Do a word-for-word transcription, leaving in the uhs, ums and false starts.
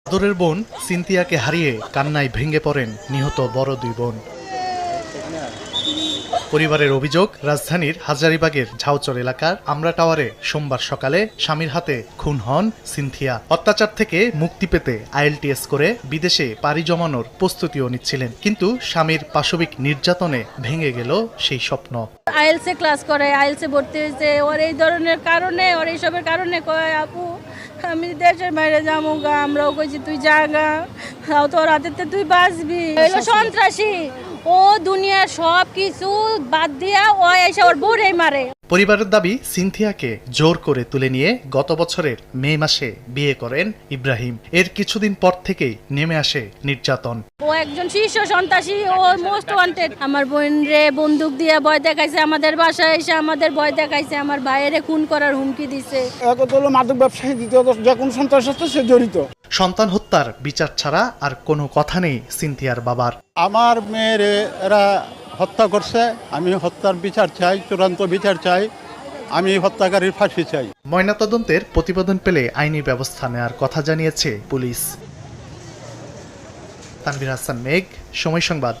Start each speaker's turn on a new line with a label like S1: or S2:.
S1: আদরের বোন সিনথিয়াকে হারিয়ে কান্নায় ভেঙে পড়েন নিহত বড় দুই বোন। পরিবারের অভিযোগ, রাজধানীর হাজারীবাগের ঝাউচর এলাকার আমরা টাওয়ারে সোমবার সকালে স্বামীর হাতে খুন হন সিনথিয়া। অত্যাচার থেকে মুক্তি পেতে আইএলটিএস করে বিদেশে পাড়ি জমানোর প্রস্তুতিও নিচ্ছিলেন, কিন্তু স্বামীর পাশবিক নির্যাতনে ভেঙে গেল সেই স্বপ্ন।
S2: আইএলসে ক্লাস করে, আইএলসে ভর্তি হয়েছে, ওর এই ধরনের কারণে, ওর এইসবের কারণে কয় আপু আমি দেশের বাইরে যাবো গা। আমরাও কইছি তুই যা গা, তাও তোর হাতে তুই বাঁচবি। এলো সন্ত্রাসী, ও দুনিয়ার সব কিছু বাদ দিয়া ও এসে ওর বউরেই মারে।
S1: পরিবারের দাবি, সিনথিয়াকে জোর করে তুলে নিয়ে গত বছরের মে মাসে বিয়ে করেন ইব্রাহিম। এর কিছুদিন পর থেকেই নেমে আসে নির্যাতন।
S2: ও একজন শীর্ষ সন্ত্রাসী, ও মোস্ট ওয়ান্টেড। আমার বোন রে বন্দুক দিয়ে ভয় দেখাইছে, আমাদের বাসায় এসে আমাদের ভয় দেখাইছে, আমার ভাইয়েরে খুন করার হুমকি দিছে।
S3: এক হলো মাদক ব্যবসায়ী, দ্বিতীয়ত যে কোনো সন্ত্রাসের সাথে সে জড়িত।
S1: সন্তান হত্যার বিচার ছাড়া আর কোনো কথা নেই সিনথিয়ার বাবার।
S4: আমার মেয়ের এরা হত্যা করছে, আমি হত্যার বিচার চাই, চূড়ান্ত বিচার চাই, আমি হত্যাকারীর ফাঁসি চাই।
S1: ময়নাতদন্তের প্রতিবেদন পেলে আইনি ব্যবস্থা নেওয়ার কথা জানিয়েছে পুলিশ। তানভীর হাসান মেঘ, সময় সংবাদ।